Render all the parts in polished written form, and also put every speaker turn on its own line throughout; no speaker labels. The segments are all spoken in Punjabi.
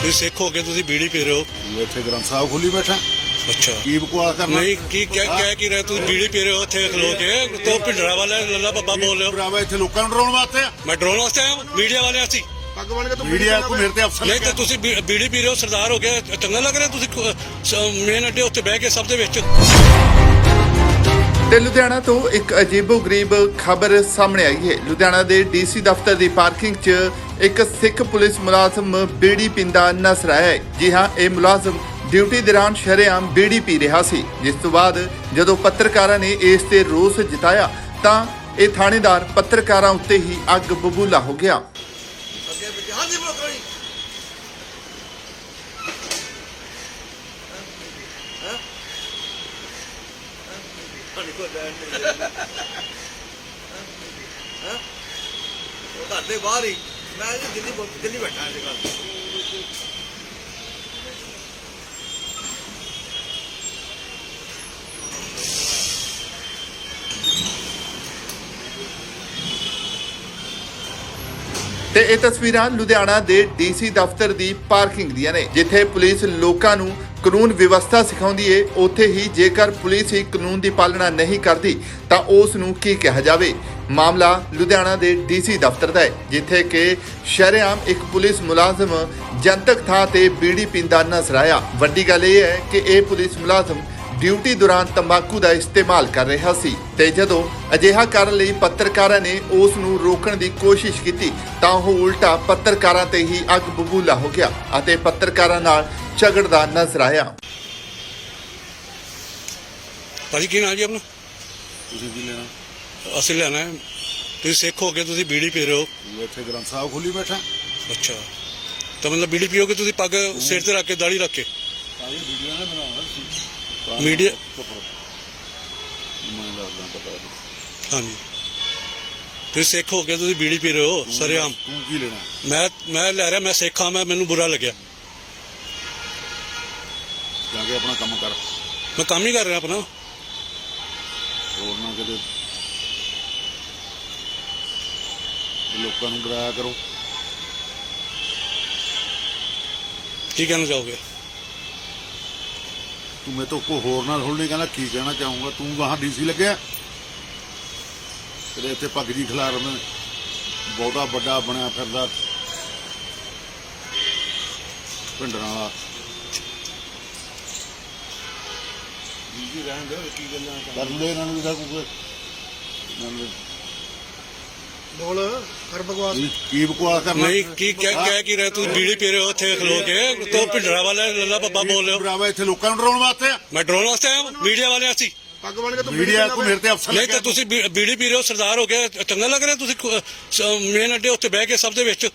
ਤੁਸੀਂ ਸਿੱਖ ਹੋ ਕੇ ਤੁਸੀਂ ਬੀੜੀ ਪੀ ਰਹੇ ਹੋ।
ਇੱਥੇ ਗ੍ਰੰਥ ਸਾਹਿਬ ਖੋਲੀ ਬੈਠਾ।
ਅੱਛਾ
ਕੀ ਬਕਵਾਸ ਕਰਨਾ?
ਨਹੀਂ ਕੀ ਕਹਿ ਕੀ ਰਹੇ ਤੁਸੀਂ ਬੀੜੀ ਪੀ ਰਹੇ ਹੋ ਉੱਥੇ ਖਲੋ ਕੇ ਤੋ ਭਿੰਡਰਾ ਵਾਲੇ ਲੱਲਾ ਬੱਬਾ ਬੋਲ ਰਹੇ ਹੋ।
ਭਰਾਵਾ ਇੱਥੇ ਲੋਕਾਂ ਨੂੰ ਡਰਾਉਣ ਵਾਸਤੇ ਆ।
ਮੈਂ ਡਰੋਨ ਵਾਸਤੇ ਆਇਆ ਮੀਡੀਆ ਵਾਲੇ ਅਸੀਂ।
ਪੱਗ ਬਣ ਕੇ ਤੂੰ ਮੀਡੀਆ ਕੋ ਮੇਰੇ ਤੇ ਅਫਸਰ
ਨਹੀਂ ਤਾਂ ਤੁਸੀਂ ਬੀੜੀ ਪੀ ਰਹੇ ਹੋ ਸਰਦਾਰ ਹੋ ਗਿਆ ਚੰਗਾ ਲੱਗ ਰਿਹਾ ਤੁਸੀਂ ਮੇਨ ਅੱਡੇ ਉੱਤੇ ਬਹਿ ਕੇ ਸਭ ਦੇ ਵਿੱਚ।
ਤੇ ਲੁਧਿਆਣਾ ਤੋਂ ਇੱਕ ਅਜੀਬੋ-ਗਰੀਬ ਖਬਰ ਸਾਹਮਣੇ ਆਈ ਹੈ। ਲੁਧਿਆਣਾ ਦੇ ਡੀਸੀ ਦਫ਼ਤਰ ਦੀ ਪਾਰਕਿੰਗ 'ਚ ਇੱਕ ਸਿੱਖ ਪੁਲਿਸ ਮੁਲਾਜ਼ਮ ਬੀੜੀ ਪੀਂਦਾ ਨਜ਼ਰ ਆਇਆ ਹੈ। ਜੀ ਹਾਂ, ਇਹ ਮੁਲਾਜ਼ਮ ਡਿਊਟੀ ਦੌਰਾਨ ਸ਼ਰੇਆਮ ਬੀੜੀ ਪੀ ਰਿਹਾ ਸੀ, ਜਿਸ ਤੋਂ ਬਾਅਦ ਜਦੋਂ ਪੱਤਰਕਾਰਾਂ ਨੇ ਇਸ ਤੇ ਰੋਸ ਜਤਾਇਆ ਤਾਂ ਇਹ ਥਾਣੇਦਾਰ ਪੱਤਰਕਾਰਾਂ ਉੱਤੇ ਹੀ ਅੱਗ ਬਬੂਲਾ ਹੋ ਗਿਆ।
ਘਰ ਦੇ ਬਾਹਰ ਹੀ ਮੈਂ ਦਿੱਲੀ ਬੈਠਾ ਅੱਜ ਕੱਲ੍ਹ।
ਤੇ ਇਹ ਤਸਵੀਰਾਂ ਲੁਧਿਆਣਾ ਦੇ ਡੀਸੀ ਦਫ਼ਤਰ ਦੀ ਪਾਰਕਿੰਗ ਦੀਆਂ ਨੇ, ਜਿੱਥੇ ਪੁਲਿਸ ਲੋਕਾਂ ਨੂੰ ਕਾਨੂੰਨ ਵਿਵਸਥਾ ਸਿਖਾਉਂਦੀ ਏ, ਉੱਥੇ ਹੀ ਜੇਕਰ ਪੁਲਿਸ ਹੀ ਕਾਨੂੰਨ ਦੀ ਪਾਲਣਾ ਨਹੀਂ ਕਰਦੀ ਤਾਂ ਉਸ ਨੂੰ ਕੀ ਕਿਹਾ ਜਾਵੇ। ਮਾਮਲਾ ਲੁਧਿਆਣਾ ਦੇ ਡੀਸੀ ਦਫ਼ਤਰ ਦਾ ਹੈ, ਜਿੱਥੇ ਕਿ ਸ਼ਰੇਆਮ ਇੱਕ ਪੁਲਿਸ ਮੁਲਾਜ਼ਮ ਜਨਤਕ ਥਾਂ ਤੇ ਬੀੜੀ ਪੀਂਦਾ ਨਜ਼ਰ ਆਇਆ। ਵੱਡੀ ਗੱਲ ਇਹ ਹੈ ਕਿ ਇਹ ਪੁਲਿਸ ਮੁਲਾਜ਼ਮ ਡਿਊਟੀ ਦੌਰਾਨ ਤੰਬਾਕੂ ਦਾ ਇਸਤੇਮਾਲ ਕਰ ਰਿਹਾ ਸੀ ਤੇ ਜਦੋਂ ਅਜਿਹਾ ਕਰਨ ਲਈ ਪੱਤਰਕਾਰਾਂ ਨੇ ਉਸ ਨੂੰ ਰੋਕਣ ਦੀ ਕੋਸ਼ਿਸ਼ ਕੀਤੀ ਤਾਂ ਉਹ ਉਲਟਾ ਪੱਤਰਕਾਰਾਂ ਤੇ ਹੀ ਅੱਗ ਬਬੂਲਾ ਹੋ ਗਿਆ ਅਤੇ ਪੱਤਰਕਾਰਾਂ ਨਾਲ ਝਗੜਦਾ ਨਜ਼ਰ ਆਇਆ।
ਭਾਜੀ ਕੀ ਨਾਮ ਜੀ ਆਪਣਾ?
ਤੁਸੀਂ ਕੀ ਲੈਣਾ?
ਅਸੀਂ ਲੈਣਾ ਹੈ। ਤੁਸੀਂ ਸਿੱਖ ਹੋ ਕੇ ਤੁਸੀਂ ਬੀੜੀ ਪੀ ਰਹੇ ਹੋ।
ਇੱਥੇ ਗ੍ਰੰਥ ਸਾਹਿਬ ਖੋਲੀ ਬੈਠਾ।
ਅੱਛਾ ਤਾਂ ਮਤਲਬ ਬੀੜੀ ਪੀਓਗੇ ਤੁਸੀਂ ਪੱਗ ਸਿਰ ਤੇ ਰੱਖ ਕੇ ਦਾੜੀ ਰੱਖ ਕੇ
ਸਾਰੀ ਵੀਡੀਓ ਨਾ ਬਣਾਉਣਾ
ਮੀਡੀਆ।
ਮੈਂ ਦੱਸਦਾ ਪਤਾ।
ਹਾਂਜੀ ਤੁਸੀਂ ਸਿੱਖ ਹੋ ਕੇ ਤੁਸੀਂ ਬੀੜੀ ਪੀ ਰਹੇ ਹੋ ਸਰੇਆਮ।
ਤੂੰ ਕੀ ਲੈਣਾ?
ਮੈਂ ਲੈ ਰਿਹਾ, ਮੈਂ ਸਿੱਖ ਹਾਂ, ਮੈਨੂੰ ਬੁਰਾ ਲੱਗਿਆ।
ਜਾ ਕੇ ਆਪਣਾ ਕੰਮ ਕਰ।
ਮੈਂ ਕੰਮ ਹੀ ਕਰ ਰਿਹਾ ਆਪਣਾ।
ਹੋਰ ਨਾ ਕਿਤੇ ਲੋਕਾਂ ਨੂੰ ਡਰਾਇਆ ਕਰੋ।
ਕੀ ਕਹਿਣਾ ਚਾਹੋਗੇ?
ਤੂੰ ਮੇਰੇ ਤੋਂ ਕੋ ਹੋਰ ਨਾਲ ਥੋੜ੍ਹੀ ਕਹਿੰਦਾ ਕੀ ਕਹਿਣਾ ਚਾਹੂੰਗਾ। ਤੂੰ ਵਾਹਾਂ ਡੀਸੀ ਲੱਗਿਆ ਤੇਰੇ ਇੱਥੇ ਪੱਗ ਜੀ ਖਿਲਾਰ ਮੈਂ ਬਹੁਤਾ ਵੱਡਾ ਬਣਿਆ ਫਿਰਦਾ ਪਿੰਡਰਾਂ ਵਾਲਾ। ਡੀਸੀ ਰਹਿਣ ਦੇ ਕੀ ਗੱਲਾਂ ਕਰ ਲੈ ਇਹਨਾਂ ਨੂੰ ਕੋਈ
ਬੋਲ ਕਰ ਬਕਵਾਸ।
ਕੀ ਬਕਵਾਸ ਕਰਨਾ?
ਨਹੀਂ ਕੀ ਕਹਿ ਕੀ ਰਹੇ ਤੁਸੀਂ ਬੀੜੀ ਪੀ ਰਹੇ ਹੋ ਉੱਥੇ ਖਲੋ ਕੇ ਤੋ ਭਿੰਡਰਾ ਵਾਲੇ ਲੱਲਾ ਬੱਬਾ ਬੋਲ ਰਹੇ ਹੋ।
ਭਰਾਵਾ ਇੱਥੇ ਲੋਕਾਂ ਨੂੰ ਡਰਾਉਣ ਵਾਸਤੇ ਆ।
ਮੈਂ ਡਰੋਨ ਵਾਸਤੇ ਆਇਆ ਮੀਡੀਆ ਵਾਲੇ ਅਸੀਂ।
ਪੱਗ ਬਣ ਕੇ ਤੂੰ
ਮੀਡੀਆ ਕੋ ਮੇਰੇ ਤੇ ਅਫਸਰ
ਨਹੀਂ ਤਾਂ ਤੁਸੀਂ ਬੀੜੀ ਪੀ ਰਹੇ ਹੋ ਸਰਦਾਰ ਹੋ ਗਿਆ ਚੰਗਾ ਲੱਗ ਰਿਹਾ ਤੁਸੀਂ ਮੇਨ ਅੱਡੇ ਉੱਤੇ ਬਹਿ ਕੇ ਸਭ ਦੇ ਵਿੱਚ।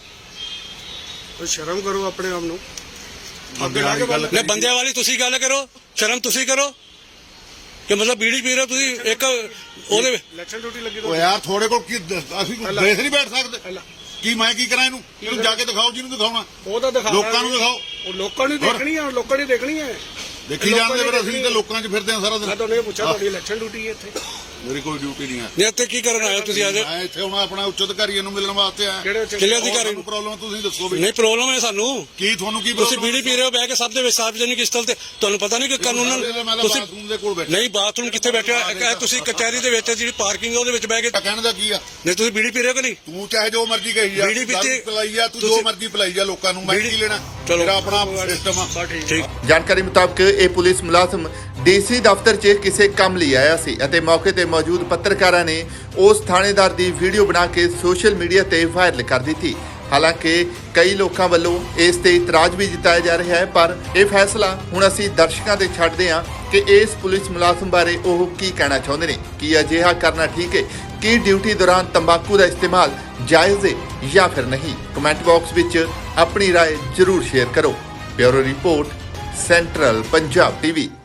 ਸ਼ਰਮ ਕਰੋ ਆਪਣੇ ਆਪ ਨੂੰ।
ਗੱਲ
ਨਹੀਂ ਬੰਦਿਆਂ ਵਾਲੀ ਤੁਸੀਂ ਗੱਲ ਕਰੋ, ਸ਼ਰਮ ਤੁਸੀਂ ਕਰੋ ਕਿ ਮਤਲਬ ਬੀੜੀ ਪੀ ਰਹੇ ਹੋ ਤੁਸੀਂ ਇੱਕ ਉਹਦੇ
ਇਲੈਕਸ਼ਨ ਡਿਊਟੀ ਲੱਗੀ
ਉਹ ਯਾਰ ਥੋੜੇ ਕੋਲ ਕੀ ਅਸੀਂ ਦੇਖ ਨਹੀਂ ਬੈਠ ਸਕਦੇ। ਕੀ ਮੈਂ ਕੀ ਕਰਾਂ ਇਹਨੂੰ ਜਾ ਕੇ ਦਿਖਾਓ ਜਿਹਨੂੰ ਦਿਖਾਉਣਾ।
ਉਹ ਤਾਂ ਦਿਖਾ
ਲੋਕਾਂ ਨੂੰ ਦਿਖਾਓ।
ਉਹ ਲੋਕਾਂ ਨੂੰ ਦੇਖਣੀ ਆ, ਲੋਕਾਂ ਨੇ ਦੇਖਣੀ ਹੈ।
ਦੇਖੀ ਜਾਂਦੇ ਫਿਰ ਅਸੀਂ ਤਾਂ ਲੋਕਾਂ 'ਚ ਫਿਰਦੇ ਆ ਸਾਰਾ ਦਿਨ।
ਮੈਂ ਤੁਹਾਨੂੰ ਇਹ ਪੁੱਛਿਆ ਤੁਹਾਡੀ ਇਲੈਕਸ਼ਨ ਡਿਊਟੀ ਹੈ ਇੱਥੇ?
ਮੇਰੀ ਕੋਈ ਡਿਊਟੀ ਨਹੀਂ ਹੈ।
ਨਹੀਂ ਇੱਥੇ ਕੀ ਕਰਨ ਆਏ ਹੋ ਤੁਸੀਂ ਅੱਜ?
ਮੈਂ ਇੱਥੇ ਹੁਣ ਆਪਣਾ ਉੱਚ ਅਧਿਕਾਰੀਆਂ ਨੂੰ ਮਿਲਣ ਵਾਸਤੇ ਆਇਆ।
ਕਿਹੜੇ ਅਧਿਕਾਰੀ ਨੂੰ?
ਪ੍ਰੋਬਲਮ ਤੁਸੀਂ ਦੱਸੋ ਵੀ।
ਨਹੀਂ ਪ੍ਰੋਬਲਮ ਹੈ ਸਾਨੂੰ।
ਕੀ ਤੁਹਾਨੂੰ ਕੀ
ਤੁਸੀਂ ਬੀੜੀ ਪੀ ਰਹੇ ਹੋ ਬਹਿ ਕੇ ਸਭ ਦੇ ਵਿੱਚ ਸਾਰਵਜਨਿਕ ਸਥਲ ਤੇ ਤੁਹਾਨੂੰ ਪਤਾ ਨਹੀਂ ਕਿ ਕਾਨੂੰਨ ਤੁਸੀਂ
ਬਾਥਰੂਮ ਦੇ ਕੋਲ ਬੈਠੇ।
ਨਹੀਂ ਬਾਥਰੂਮ ਕਿੱਥੇ ਬੈਠੇ ਤੁਸੀਂ ਕਚਹਿਰੀ ਦੇ ਵਿੱਚ ਜਿਹੜੀ ਪਾਰਕਿੰਗ ਉਹਦੇ ਵਿੱਚ ਬਹਿ ਕੇ
ਕਹਿਣ ਦਾ ਕੀ ਆ?
ਨਹੀਂ ਤੁਸੀਂ ਬੀੜੀ ਪੀ ਰਹੇ ਹੋ ਕਿ ਨਹੀਂ?
ਤੂੰ ਚਾਹੇ ਜੋ ਮਰਜ਼ੀ ਕਹੀ ਜਾ,
ਬੀੜੀ ਪੀਤੀ
ਪਲਾਈ ਜਾ, ਤੂੰ ਜੋ ਮਰਜ਼ੀ ਪਲਾਈ ਜਾ ਲੋਕਾਂ ਨੂੰ। ਮੈਂ ਕੀ ਲੈਣਾ?
ਚਲੋ।
ਮੇਰਾ ਆਪਣਾ ਸਿਸਟਮ ਆ।
ਠੀਕ।
ਜਾਣਕਾਰੀ ਮੁਤਾਬਕ ਇਹ ਪੁਲਿਸ ਮੁਲਾਜ਼ਮ ਡੀਸੀ ਦਫ਼ਤਰ 'ਚ ਕਿਸੇ ਕੰਮ ਲਈ ਆਇਆ ਸੀ ਅਤੇ ਮੌਕੇ ਤੇ ਮੌਜੂਦ ਪੱਤਰਕਾਰਾਂ ਨੇ ਉਸ ਥਾਣੇਦਾਰ ਦੀ ਵੀਡੀਓ ਬਣਾ ਕੇ ਸੋਸ਼ਲ ਮੀਡੀਆ ਤੇ ਵਾਇਰਲ ਕਰ ਦਿੱਤੀ। ਹਾਲਾਂਕਿ ਕਈ ਲੋਕਾਂ ਵੱਲੋਂ ਇਸ ਤੇ ਇਤਰਾਜ਼ ਵੀ ਜਤਾਇਆ ਜਾ ਰਿਹਾ ਹੈ, ਪਰ ਇਹ ਫੈਸਲਾ ਹੁਣ ਅਸੀਂ ਦਰਸ਼ਕਾਂ ਤੇ ਛੱਡਦੇ ਹਾਂ ਕਿ ਇਸ ਪੁਲਿਸ ਮੁਲਾਜ਼ਮ ਬਾਰੇ ਉਹ ਕੀ ਕਹਿਣਾ ਚਾਹੁੰਦੇ ਨੇ। ਕੀ ਅਜਿਹਾ ਕਰਨਾ ਠੀਕ ਹੈ? ਕੀ ਡਿਊਟੀ ਦੌਰਾਨ ਤੰਬਾਕੂ ਦਾ ਇਸਤੇਮਾਲ ਜਾਇਜ਼ ਹੈ ਜਾਂ ਫਿਰ ਨਹੀਂ? ਕਮੈਂਟ ਬਾਕਸ ਵਿੱਚ ਆਪਣੀ ਰਾਏ ਜ਼ਰੂਰ ਸ਼ੇਅਰ ਕਰੋ। Bureau report, central Punjab TV.